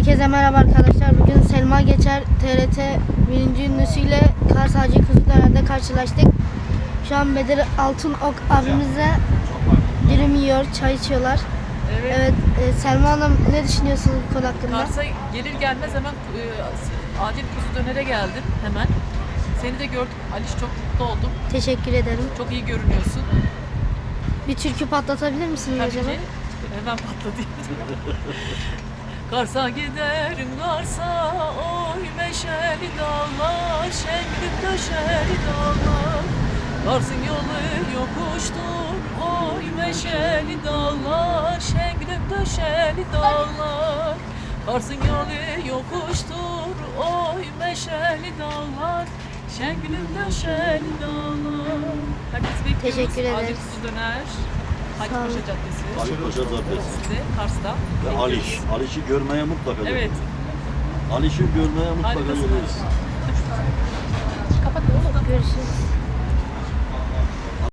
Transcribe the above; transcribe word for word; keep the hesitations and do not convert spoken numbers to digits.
Herkese merhaba arkadaşlar. Bugün Selma Geçer T R T birinci ünlüsüyle Kars Hacı Kızıldören'de karşılaştık. Şu an Bedir Altınok abimizle dürüm yiyor, çay içiyorlar. Evet. Evet, e, Selma Hanım ne düşünüyorsunuz bu konu hakkında? Kars'a gelir gelmez hemen e, acil kuzu dönere geldim hemen. Seni de gördüm. Aliş, çok mutlu oldum. Teşekkür ederim. Çok iyi görünüyorsun. Bir türkü patlatabilir misiniz Tabii acaba? ki. Hemen patladı. Kars'a giderim Kars'a, oy meşeli dağlar, şengülüm döşeli dağlar. Kars'ın yolu yokuştur, oy meşeli dağlar, şengülüm döşeli dağlar. Kars'ın yolu yokuştur, oy meşeli dağlar, şengülüm döşeli dağlar. Herkes bekliyoruz. Teşekkür ederiz. Acil kuzu döner. Hacı Sağ olun. Paşa Caddesi. Ali Paşa Caddesi. Size Kars'ta. Ve Aliş. Aliş'i görmeye mutlaka Evet. geliyoruz. Aliş'i görmeye mutlaka Harikasınız. geliyoruz. Kapat oğlum. Görüşürüz.